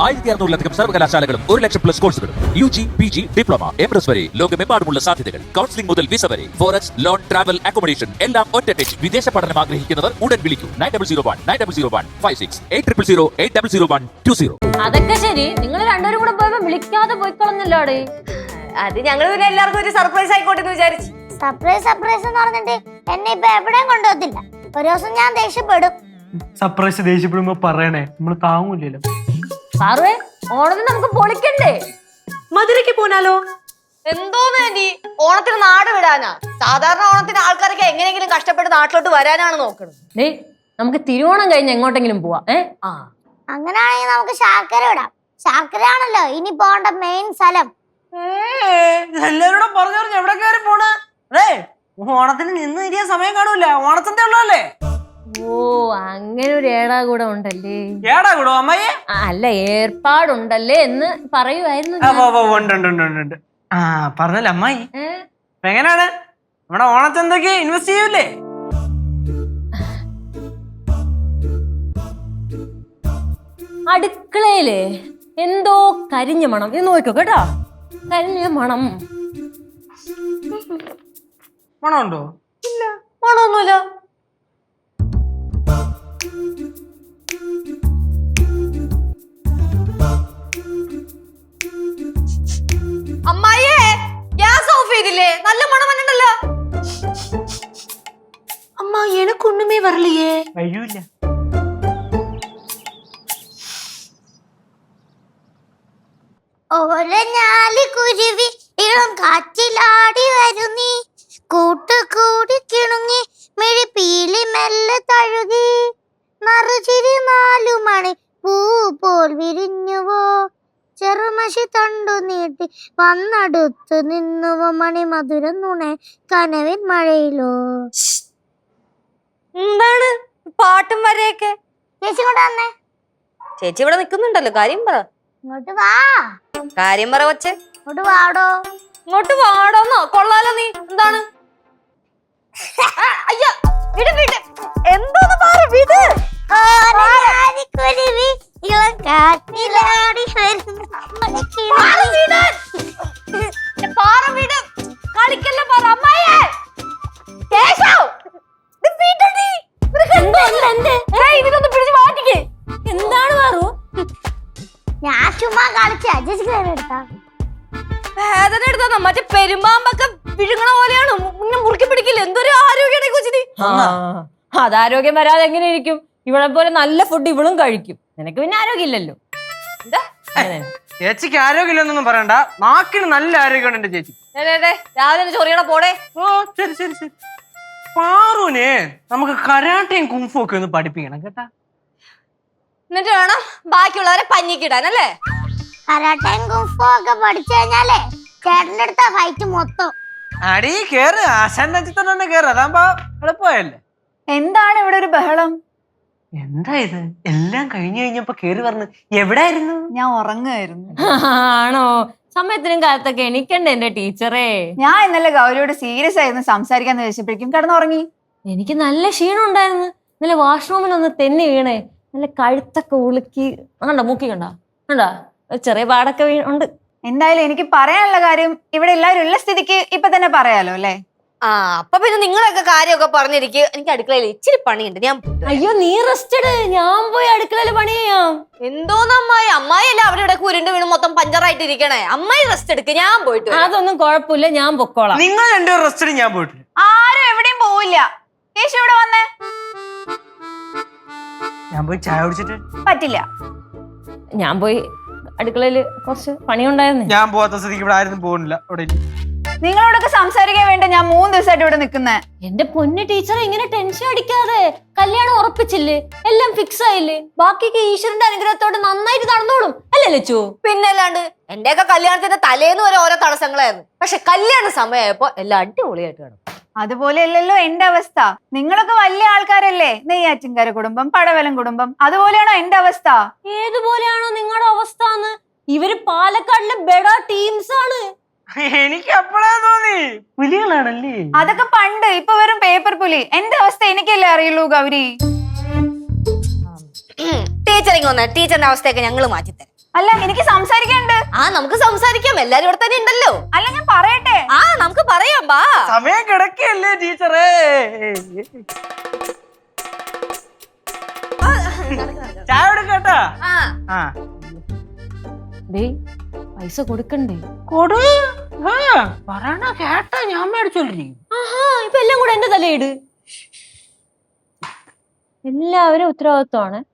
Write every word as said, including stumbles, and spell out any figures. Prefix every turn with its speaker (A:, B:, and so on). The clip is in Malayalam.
A: ആയിരത്തി അറുന്നൂറിലധികം സർവകലാശാലകളും ഒരു ലക്ഷം പ്ലസ് കോഴ്സുകളും U G P G diploma M S വരെ ലോകമെമ്പാടുമുള്ള സാധ്യതകൾ. കൗൺസിലിംഗ് മുതൽ വിസ വരെ ഫോറക്സ് ലോൺ ട്രാവൽ അക്കോമഡേഷൻ എല്ലാം ഒറ്റ ടെച്ച്. വിദേശ പഠനം ആഗ്രഹിക്കുന്നവർ ഉടൻ വിളിക്കൂ nine double zero one nine double zero one five six eight triple zero eight double zero one two zero.
B: അതൊക്കെ ശരി, നിങ്ങൾ രണ്ടുപേരും കൂടെ പോയപ്പോ വിളിക്കാതെ പോയിക്കളഞ്ഞല്ലോടെ.
C: അത് ഞങ്ങൾ പിന്നെ എല്ലാവർക്കും ഒരു സർപ്രൈസ് ആയിക്കോട്ടെ എന്ന് വിചാരിച്ചു.
D: സർപ്രൈസ് സർപ്രൈസ് എന്ന് പറഞ്ഞിട്ട് എന്നെ ഇപ്പൊ എവിടെയും കൊണ്ടുപോകത്തില്ല. ഒരു ദിവസം ഞാൻ ദേഷ്യപ്പെടും.
E: സർപ്രൈസ് ദേഷ്യപ്പെടുമ്പോ പറയണേ, നമ്മള് താങ്ങൂലല്ലോ.
B: സാറേ, ഓണത്തിന് നമുക്ക് പൊളിക്കണ്ടേ?
C: മധുരയ്ക്ക് പോനാലോ? എന്തോന്ന് ആന്റി, ഓണത്തിന് നാട് വിടാനാ? സാധാരണ ഓണത്തിന് ആൾക്കാരൊക്കെ എങ്ങനെയെങ്കിലും കഷ്ടപ്പെട്ട് നാട്ടിലോട്ട് വരാനാണ് നോക്കുന്നത്.
B: ഡേ, നമുക്ക് തിരുവോണം കഴിഞ്ഞ് എങ്ങോട്ടെങ്കിലും പോവാ. ഏ
C: ആ
D: അങ്ങനെയാണെങ്കിൽ നമുക്ക് ശാർക്കര വിടാം. ശാർക്കര ആണല്ലോ ഇനി പോകേണ്ട മെയിൻ സ്ഥലം.
E: എല്ലാരോടും പറഞ്ഞു പറഞ്ഞു എവിടെ കയറി പോണ്? അതെ, ഓണത്തിന് നിന്ന് ഇരിയാൻ സമയം കാണൂല. ഓണത്തിന്റെ ഉള്ളതല്ലേ?
B: ഓ, അങ്ങനെ ഒരു ഏടാ കൂടെ ഉണ്ടല്ലേ?
E: ഏടാ കൂടോ അമ്മയെ?
B: അല്ല, ഏർപ്പാടുണ്ടല്ലേ എന്ന് പറയുമായിരുന്നു.
E: ആ പറഞ്ഞല്ലേ അമ്മായി. എങ്ങനെയാണ് നമ്മുടെ ഓണച്ചന്തക്ക് ഇൻവെസ്റ്റ് ചെയ്യൂലേ?
B: അടുക്കളയില് എന്തോ കരിഞ്ഞ മണം. ഇത് നോക്കോ കേട്ടോ, കരിഞ്ഞ മണം.
E: മണമുണ്ടോ?
C: ഇല്ല, മണമൊന്നുമില്ല. അമ്മായിയെ, ഗ്യാസ് ഓഫ് ചെയ്തില്ലേ? നല്ല മണം വന്നിട്ടല്ലോ. അമ്മ, എനക്കൊന്നുമേ വരலையே.
E: കഴിയൂല.
D: ഓരഞ്ഞാലി കുരുവി ഇളം കാറ്റിലാടി വരുന്നീ, കൂട്ടുകൂടി കിണുങ്ങി മിഴിപ്പീലി മെല്ലെ തഴുകി, മറുചിരി നാലു മണി പൂ പോൽ വിരിഞ്ഞുവോ, ചെറുമഷി തണ്ടു നീട്ടി വന്നടുത്തു നിന്നുവോ, മണി മധുരം നുണെ കനവിൻ മഴയിലോ.
C: എന്താണ് പാട്ടും വരെയൊക്കെ?
D: ചേച്ചി ഇങ്ങോട്ട് വന്നേ.
C: ചേച്ചി ഇവിടെ നിക്കുന്നുണ്ടല്ലോ, കാര്യം പറ.
D: ഇങ്ങോട്ട് വാ.
C: കാര്യം പറ കൊച്ചേ.
D: ഇങ്ങോട്ട് വാടോ.
C: ഇങ്ങോട്ട് വാടോന്നോ? കൊള്ളാലോ നീ. എന്താണ്? അയ്യ, വിട് വിട്. എന്തോന്ന് പറ, വിട്.
D: ഓരഞ്ഞാലി കുരുവി ഇളം കാറ്റിലാടി വരുന്നു.
C: പാറ വിട്. കളിക്കല്ല പറ. അമ്മായിയെ, കേശവ്, ഇത് വിടടി. ഇതിനൊന്ന് പിടിച്ച് മാറ്റിക്കേ.
B: എന്താണ് മാറു?
D: ഞാൻ ചുമ്മാ കളിച്ച ചേച്ചിക്ക് നേരെ എടുത്താ
C: വേദന എടുത്താ മറ്റേ പെരുമ്പാമ്പൊക്കെ വിഴുങ്ങണ പോലെയാണ്. മുന്നേ മുറുക്കി പിടിക്കില്ല. എന്തൊരു ആരോഗ്യമാണ് ഈ കൊച്ചിന്.
B: അതാരോഗ്യം വരാതെ എങ്ങനെ ഇരിക്കും? ഇവളെ പോലെ നല്ല ഫുഡ് ഇവളും കഴിക്കും. നിനക്ക് പിന്നെ ആരോഗ്യം ഇല്ലല്ലോ.
E: ചേച്ചിക്ക് ആരോഗ്യമില്ലെന്നൊന്നും പറയണ്ട, നാക്കിന് നല്ല ആരോഗ്യമുണ്ട് എന്റെ ചേച്ചി.
C: രാവിലെ ചൊറിയണ പോടെ.
E: ഓ ശരി ശരി ശരി. പാറുവിനെ നമുക്ക് കരാട്ടയും കുംഫും ഒക്കെ ഒന്ന് പഠിപ്പിക്കണം കേട്ടാ.
C: എന്നിട്ട് വേണം ബാക്കിയുള്ളവരെ പഞ്ഞിക്കിടാനല്ലേ?
D: കരാട്ടയും കുംഫും ഒക്കെ പഠിച്ചു കഴിഞ്ഞാലേ ചേട്ടന്റെ അടുത്ത ഫൈറ്റ് മൊത്തം.
E: അടി കേറ്, ആശാന്റെ അച്ഛൻ തന്നെ കേറ്, അതാകുമ്പോ എളുപ്പമായല്ലേ.
F: എന്താണ് ഇവിടെ ഒരു ബഹളം?
E: എന്താ ഇത്? എല്ലാം കഴിഞ്ഞു കഴിഞ്ഞപ്പോ കേറി പറഞ്ഞു എവിടായിരുന്നു?
F: ഞാൻ ഉറങ്ങുമായിരുന്നു.
B: ആണോ? സമയത്തിനും കാലത്തൊക്കെ എണീക്കണ്ടേ എന്റെ ടീച്ചറേ?
F: ഞാൻ ഇന്നലെ ഗൗരിയോട് സീരിയസ് ആയിരുന്നു സംസാരിക്കാന്ന് വെച്ചപ്പോഴേക്കും കിടന്നുറങ്ങി.
B: എനിക്ക് നല്ല ക്ഷീണം ഉണ്ടായിരുന്നു. ഇന്നലെ വാഷ്റൂമിൽ ഒന്ന് തെന്നി വീണേ, നല്ല കഴുത്തൊക്കെ ഉളുക്കി. കണ്ടോ, മൂക്കി കണ്ടോ കണ്ടോ, ചെറിയ പാടൊക്കെ ഉണ്ട്.
F: എന്തായാലും എനിക്ക് പറയാനുള്ള കാര്യം ഇവിടെ എല്ലാവരും ഉള്ള സ്ഥിതിക്ക് ഇപ്പൊ തന്നെ പറയാലോ അല്ലേ?
C: ആ, അപ്പൊ പിന്നെ നിങ്ങളൊക്കെ കാര്യമൊക്കെ പറഞ്ഞിരിക്കും. എനിക്ക് അടുക്കളയിൽ ഇച്ചിരി പണിയുണ്ട്, ഞാൻ.
B: അയ്യോ, നീ റെസ്റ്റ് എടു, ഞാൻ പോയി അടുക്കളയിൽ പണി ചെയ്യാം.
C: എന്തോന്ന് അമ്മായി? അമ്മായി അല്ല അവിടെ ഇവിടെ ഉരുണ്ട് വീണ് മൊത്തം പഞ്ചറായിട്ട് ഇരിക്കണേ. അമ്മായി റെസ്റ്റ് എടുക്ക്, ഞാൻ പോയിട്ട്.
B: അതൊന്നും കുഴപ്പമില്ല, ഞാൻ പൊക്കോളാം.
E: നിങ്ങൾ രണ്ടു റെസ്റ്റിന് ഞാൻ പോയിട്ട്.
F: ആരും എവിടെയും പോവില്ല. കേശു ഇവിടെ വന്നേ.
E: ഞാൻ പോയി ചായ കുടിച്ചിട്ട്.
F: പറ്റില്ല.
B: ഞാൻ പോയി അടുക്കളയിൽ കുറച്ച് പണിയുണ്ടായിരുന്നു.
E: ഞാൻ പോവാത്ത സ്ഥിതിക്ക് ഇവിടെ ആരും പോകുന്നില്ല. അവിടെ
F: നിങ്ങളോടൊക്കെ സംസാരിക്കാൻ വേണ്ട ഞാൻ മൂന്ന് ദിവസമായിട്ട് ഇവിടെ നിൽക്കുന്നേ.
B: എന്റെ പൊന്നു ടീച്ചർ, ഇങ്ങനെ ടെൻഷൻ അടിക്കാതെ. കല്യാണം ഉറപ്പിച്ചില്ലേ, എല്ലാം ഫിക്സ് ആയില്ലേ, ബാക്കിയൊക്കെ ഈശ്വരന്റെ അനുഗ്രഹത്തോടെ നന്നായിട്ട് നടന്നോളും അല്ലേ ലച്ചു?
C: പിന്നല്ലാണ്ട് എന്റെയൊക്കെ കല്യാണത്തിന്റെ തലേന്ന് വരെ ഓരോ തടസ്സങ്ങളായിരുന്നു. പക്ഷെ കല്യാണ സമയമായപ്പോ എല്ലാം അടിപൊളിയായിട്ട് കാണും.
F: അതുപോലെയല്ലല്ലോ എന്റെ അവസ്ഥ. നിങ്ങളൊക്കെ വലിയ ആൾക്കാരല്ലേ, നെയ്യാറ്റിൻകര കുടുംബം, പടവലം കുടുംബം. അതുപോലെയാണോ എന്റെ അവസ്ഥ?
B: ഏതുപോലെയാണോ നിങ്ങളുടെ അവസ്ഥ? ഇവര് പാലക്കാടിലെ ബെഡാ ടീംസ് ആണ്.
E: എനിക്ക് അപ്പോഴാ തോന്നി പുലികളാണല്ലേ.
F: അതൊക്കെ പണ്ട്, ഇപ്പൊ വെറും പേപ്പർ പുലി. എന്റെ അവസ്ഥ എനിക്കല്ലേ അറിയുള്ളൂ ഗൗരി.
C: ടീച്ചറിങ് വന്ന ടീച്ചറിന്റെ അവസ്ഥയൊക്കെ ഞങ്ങൾ മാറ്റിത്തരാം.
F: അല്ല എനിക്ക് സംസാരിക്കാനുണ്ട്.
C: ആ നമുക്ക് സംസാരിക്കാം, എല്ലാരും ഇവിടെ തന്നെ ഉണ്ടല്ലോ.
F: അല്ല ഞാൻ പറയട്ടെ.
C: ആ നമുക്ക് പറയാം, ബാ.
E: സമയം കിടക്കല്ലേ ടീച്ചറേ. ചായ എടുക്കട്ടാ.
C: ആ
E: ആ
B: ഡേയ് പൈസ കൊടുക്കണ്ടേ?
E: കൊടു. പറയണ കേട്ടാ ഞാൻ മേടിച്ചോണ്ടിരിക്കും.
B: ആഹാ ഇപ്പൊ എല്ലാം കൂടെ എന്റെ തലയിട്. എല്ലാവരും ഉത്തരവാദിത്വമാണ്.